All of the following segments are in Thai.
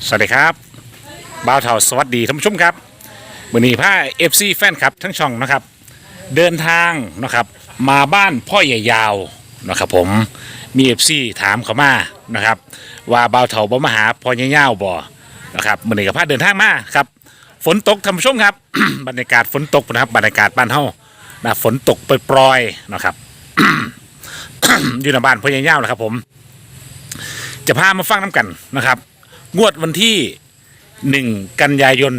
สวัสดีครับบ่าวเฒ่าสวัสดีท่านผู้ชมครับวันนี้พาFCแฟนคลับทั้งช่องนะครับเดินทางนะครับมาบ้านพ่อใหญ่ยาวนะครับผมมี FC ถามเขามานะครับว่าบ่าวเฒ่าบ่มาหาพ่อใหญ่ยาวบ่นะครับวันนี้ก็พาเดินทางมาครับฝนตกท่านผู้ชมครับ บรรยากาศฝนตกนะครับบรรยากาศบ้านเฮานะฝนตกปรอยๆนะครับ อยู่ในบ้านพ่อใหญ่ยาวนะครับผมจะพามาฟังน้ำกันนะครับงวดวันที่1กันยายน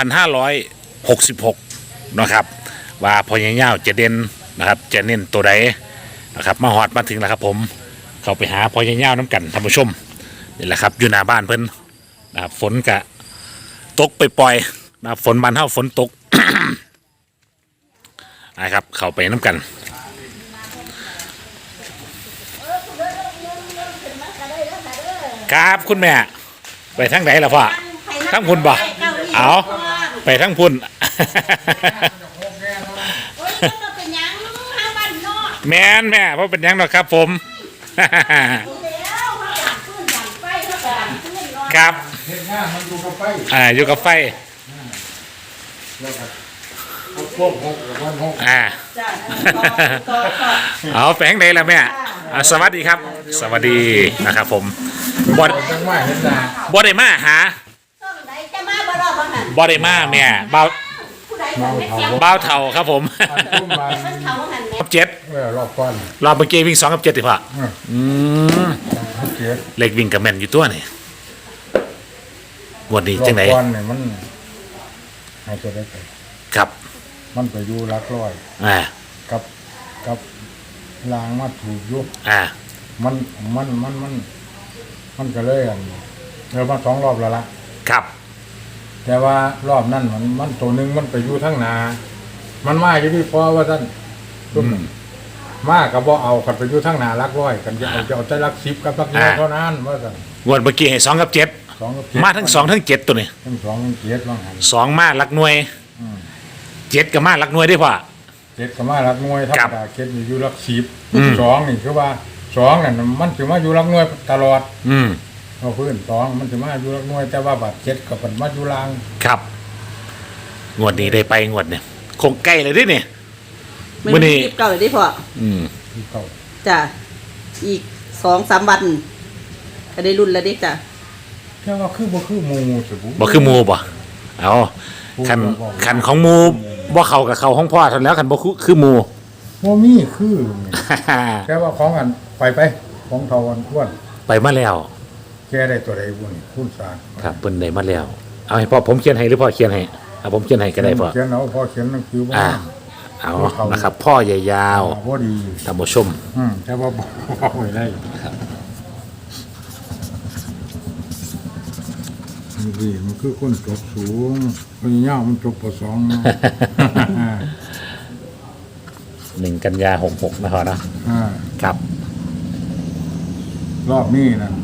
2566นะครับว่าพ่อใหญ่ยาวจะเด่นนะครับจะเน้นตัวใดนะครับมาฮอดมาถึงแล้วครับผมเข้าไปหาพ่อใหญ่ยาวน้ำกันท่านผู้ชมนี่แหละครับอยู่หน้าบ้านเพิ่นนะครับฝนกะตกไปปล่อยนะครับฝนบ้านเฮาฝนตก นะครับเข้าไปน้ำกันครับคุณแม่ไปทั้งไหนล่ะพ่อทั้งพุ่นบ่เอาไปทั้งพุ่น แม่นแม่เพราะเป็นยังหรอกครับผม ครับอยู่กับไฟเอาแฝงไหนล่ะแม่สวัสดีครับสวัสดีนะครับผมบอได้มาหาบอได้มาแม่เบาเท่าครับผมกับเจ็ดรอบก่อนรอบเมื่อกี้วิ่ง2 กับ 7ดิพ่อเล็กวิ่งกับแมนอยู่ตัวนี่วันนี้จังไหนรอบก่อนเนี่ยมันให้จะได้ไปครับมันไปอยู่รักร้อยกับลางมาถูกยุบมันก็เลยเรามา2 รอบแล้วล่ะครับแต่ว่ารอบนั้นมันตัวหนึ่งมันไปอยู่ทั้งนามันมาอยู่ที่พอว่าท่านมากับบ่เอากันไปอยู่ทั้งนารักร้อยกันจะเอาแต่รัก10กับรักน้อยเท่านั้นว่าท่านวันเมื่อกี้ให้2 กับ 7มาทั้ง2 ทั้ง 7ตัวนี้ทั้ง2 ทั้ง 7ว่างั้น2มารักหน่วย7กับมารักหน่วยได้ป่ะ7กับมารักหน่วยธรรมดา7อยู่รัก10 2นี่คือว่า2นั่นมันสิมาอยู่รักหน่วยตลอดเอาพื้น2มันสิมาอยู่รักหน่วยแต่ว่าบาด7กับมันมาอยู่ล่างครับงวดนี้ได้ไปงวดเนี่ยคงใกล้เลยดิเนี่ยมื้อนี้เก่าเลยดิพ่อเก่าจ้ะอีก 2-3 วันก็ได้รุ่นแล้วดิจ้ะแต่ว่าคือบ่คือหมู่สิบ่คือหมู่บ่เอาคันของหมู่บ่เข้ากับเข้าของพ่อเท่านั้นแล้วคันบ่คือหมู่บ่มีคือแค่ว่าของอันไปของเทาวันอ้วนไปมาแล้วแกได้ตัวใดบุญคุณสารครับเพิ่นได้มาแล้วเอาให้พ่อผมเขียนให้หรือพ่อเขียนให้ผมเขียนให้ก็ได้พ่อเขียนเอาพ่อเขียนหนังสือว่าเอานะครับพ่อใหญ่ยาวบ่ดีท่านผู้ชมแค่ว่าบ่ได้ครับนี่มันคือคนจบสูงคนยาวมันจบป.2 1 กันยา66นะพ่อนะครับรอบนี้นะ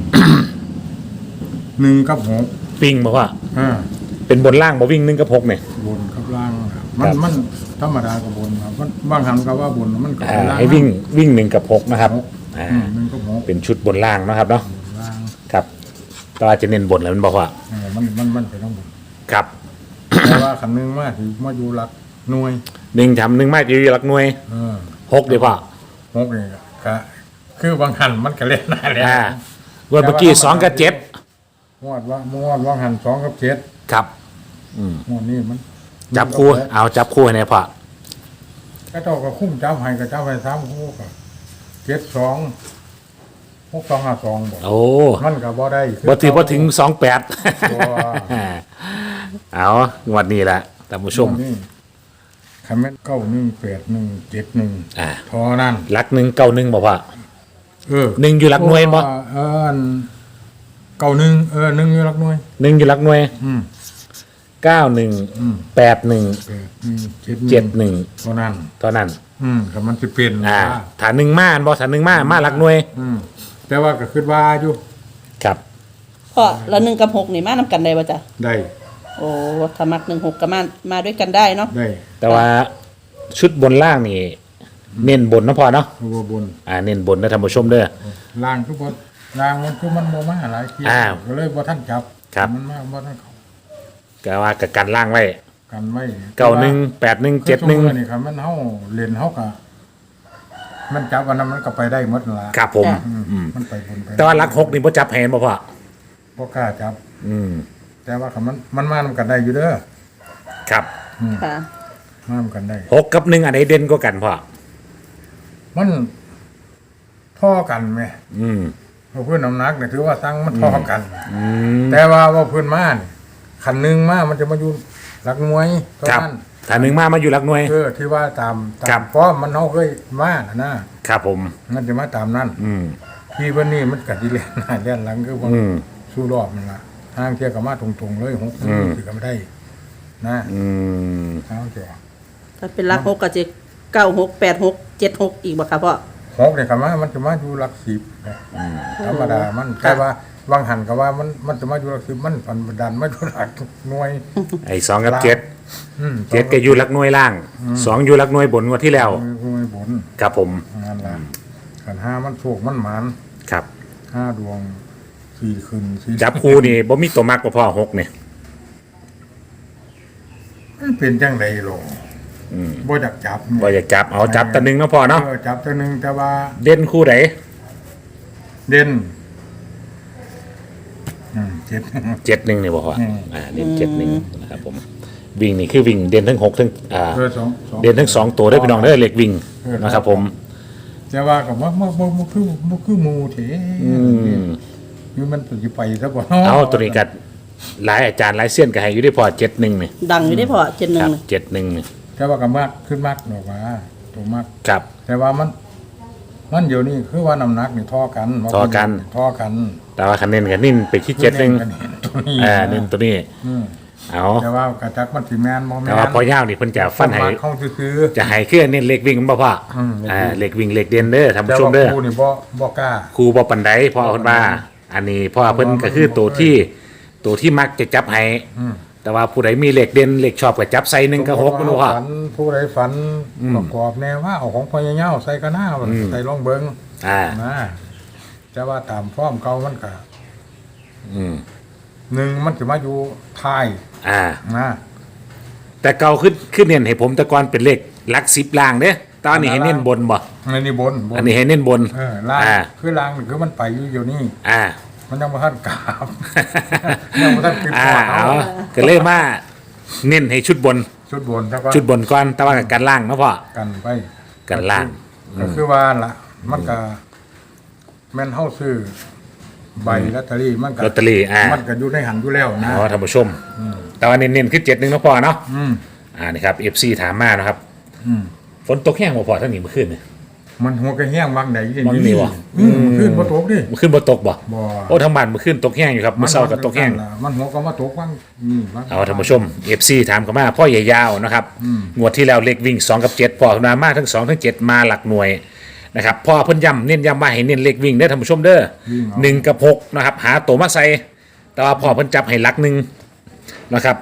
1 กับ 6วิ่งบอกว่าเป็นบนล่างบ่วิ่ง1 กับ 6เนี่ยบนกับล่างมันธรรมดากับบนครับมันบางครั้งก็ว่าบนมันก็ล่างให้วิ่ง1 กับ 6นะครับ1 กับ 6เป็นชุดบนล่างนะครับเนาะครับตาจะเน้นบนแล้วมันบอกว่ามันเป็นต้องบนครับแต่ว่าคำนึงมากที่มาอยู่หลักหน่วย1 ทำ 1 มากอยู่หลักหน่วย6เดี๋ยวพ่อ6นี่ก็คือบางหันมันก็เล่นได้แล้ววันเมื่อกี้2 กับ 7งวดว่าหัน2 กับ 7ครับงวดนี้มันจับคู่เอาจับคู่ให้แน่พ่อก็เจ้าก็คุ้มจับให้ก็จับให้3 คู่ก็7 2 6 2 5 2บอกโอ้มันก็บ่ได้บ่ถึง28เอางวดนี้แหละท่านผู้ชมคันแม่น91 81 71พอนั่นหลัก1 91บ่พ่อ1อยู่หลักหน่วยบ่911อยู่หลักหน่วย1อยู่หลักหน่วย91 81 71เท่านั้นก็มันสิเป็นถ้า1มาบ่ถ้า1มาหลักหน่วยแต่ว่าก็คิดว่าอยู่ครับพ่อแล้ว1 กับ 6นี่มานำกันได้บ่จ๊ะได้โอ้ถ้ามัก1 6ก็มาด้วยกันได้เนาะได้แต่ว่าชุดบนล่างนี่เน้นบนนะพ่อเนาะบนเน้นบนนะท่านผู้ชมเด้อล่างทุกคนล่างมันคือมันบ่มาหลายทีก็เลยบ่ทันจับครับมันมากว่าทั้งเขาก็ว่ากับกันล่างไว้กันไว้ 91 81 คือ 71 นี่ครับมันเฮาเล่นเฮาก็มันจับอันนั้นมันก็ไปได้หมดนั่นล่ะครับผมมันไปบนไปแต่ว่าหลัก6นี่บ่จับแหนบ่พ่อบ่กล้าจับอืมแต่ว่าคันมันมานำกันได้อยู่เด้อครับค่ะมานำกันได้ 6กับ1อันไหนเด่นกว่ากันพ่อมันท่อกันไหมอืมเพื่อนน้ำหนักเนี่ยถือว่าตั้งมันท่อกันอืมแต่ว่าเพื่อนมาเนี่ยขันหนึ่งมามันจะมาอยู่หลักหน่วยเท่าครับนั้นถ้า1มาอยู่หลักหน่วยที่ว่าตามครับเพราะมันเขาเคยมานะครับผมมันจะมาตามนั้นอืมที่วันนี้มันกัดดีเล่นหน้าเล่นหลังคือว่าอืมสู้รอบมันละทางเที่ยวกับมาตรงๆเลยหกถือกันไม่ได้ นะอืมเอาเจ้าถ้าเป็นรัก6ก็จะ96 86 76อีกบ่ค่ะพ่อหกเนี่ยกับมามันจะมาอยู่หลักสิบนะธรรมดามันแต่ว่าวางหันกับว่ามันจะมาอยู่หลักสิบมันปันดันมาอยู่หลักหน่วยไอ้2กับ7 7ก็อยู่หลักหน่วยล่าง2อยู่หลักหน่วยบนกว่าที่แล้วหน่วยบนครับผมนั่นแหละขันห้ามันโศกมันหมานครับห้าดวงสี่คืนสี่จับคู่นี่บ่มีตัวมักบ่พ่อ6นี่มันเป็นจังไดหรอบ่อยากจับบ่อยากจับเอาจับแตะนึงเนาะพ่อเนาะจับตัวหนึ่งแต่ว่าเด่นคู่ไหนเด่นเจ็ด 71นี่บ่พ่ออืมเด่น71นะครับผมวิ่งนี่คือวิ่งเด่นทั้ง6ทั้งสองเด่นทั้ง2ตัวได้อพี่น้องเด้อเลขวิ่งนะครับผมแต่ว่ากับว่ามันคือหมูเถ คือมันจะไปซะบ่เอาตัวนี้กัดหลายอาจารย์หลายเสี้ยนก็ให้อยู่ได้พอ71นี่ดังอยู่ได้พ่อครั 71 บนี่ 71นี่แต่ว่ากับมากขึ้นมากหรอกว่าตัวมากครับแต่ว่ามันเดี๋ยวนี้คือว่าน้ำหนักนี่ท่อกันท่อกันท่อกันแต่ว่าคะแนนก็นิ่นไปที่71 ตัวนี้เน้นตัวนี้อืมเอาแต่ว่ากระจักมันสิแมนบ่แมนแต่ว่าพอยาวนี่เพิ่นจะฟันให้มักเข้าซื้อจะให้เครื่องเน้นเลขวิ่งมันบ่พ่อ เลขวิ่งเลขเด่นเด้อท่านแต่ผู้ชมว่าเด้อครูนี่บ่กล้าครูบ่ปานใดพ่อเพิ่นว่า อันนี้พ่อเพิ่นก็คือตัวที่มักจะจับให้แต่ว่าผู้ใดมีเลขเด่นเลขชอบก็จับใส่1กับ6มันบ่พ่อฝันผู้ใดฝันประกอบแนวว่าเอาของพ่อใหญ่ๆใส่กระหน้าใส่ลองเบิ่ง นะแต่ว่าตามฟอร์มเก่ามันก็อืมหนึ่งมันจะมาอยู่ท้าย นะแต่เก่าขึ้นเน้นให้ผมแต่ก่อนเป็นเลขหลัก10ล่างเด้อตอนนี้ให้เน้นบนบ่อันนี้บนอันนี้ให้เน้นบนล่างคือล่างนี่คือมันไปอยู่เดี๋ยวนี้อ่ามันยังบ่ทันกราบ ยังบ่ทันขึ้นอ่าพอเอาก็เลยมาเน้นให้ชุดบนชุดบนแล้วก็ชุดบนก่อนแต่ว่ากับกันล่างเนาะพ่อกันไปกันล่างก็คือว่าล่ะมันก็แม่นเฮาซื้อใบลอตเตอรี่มันก็ลอตเตอรี่มันก็อยู่ในหันอยู่แล้วนะอ๋อท่านผู้ชม แต่ว่าเน้นๆคือ71เนาะพ่อเนาะอืมนี่ครับ FC ถามมานะครับอืมฝนตกแห้งบ่พอทั้งนี้เมื่อคืนนี่มันหัวกระแห้งบางใดอย่างบางนี่วะขึ้นบ่ตกดิเมื่อคืนบ่ตกบ่บ่โอ้ทั้งบ้านเมื่อคืนตกแห้งอยู่ครับเมื่อเช้าก็ตกแห้งมันหัวก็มาตกบ้างนี่บ้างเอาท่านผู้ชม FC ถามเข้ามาพ่อใหญ่ยาวนะครับงวดที่แล้วเลขวิ่ง2กับ7พ่อขึ้นมาทั้ง2ทั้ง7มาหลักหน่วยนะครับพ่อเพิ่นเน้นย้ำว่าให้เน้นเลขวิ่งเด้อท่านผู้ชมเด้อ1กับ6นะครับหาตัวมาใส่แต่ว่าพ่อเพิ่นจับให้หลัก1นะครับ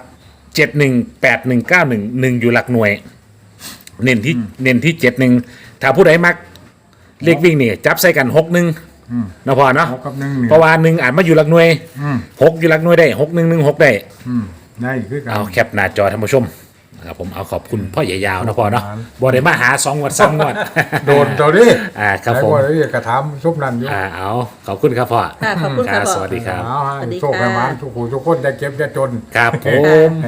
71 81 91 1อยู่หลักหน่วย เน้นที่71ถ้าผู้ใดมักเลขวิ่งนี่จับใส่กัน61นะพ่อเนาะหกกับหนึ่งนี่เพราะว่า1อาจมาอยู่หลักหน่วยอืม 6อยู่หลักหน่วยได้6116ได้ได้คือกันเอาแคปหน้าจอท่านผู้ชมนะครับผมเอาขอบคุณพ่อใหญ่ยาวนะพ่อเนาะขอบคุณบ่ได้มาหา2งวด3งวดโดนตัวดิครับผมไอ้พวกนี้กระทำซุปนั่นอยู่เอาขอบคุณครับพ่อค่ะขอบคุณค่ะพ่อสวัสดีครับเอาสวัสดีโชคให้ค่ะมันทุกผู้ทุกคนได้เก็บได้จนครับผม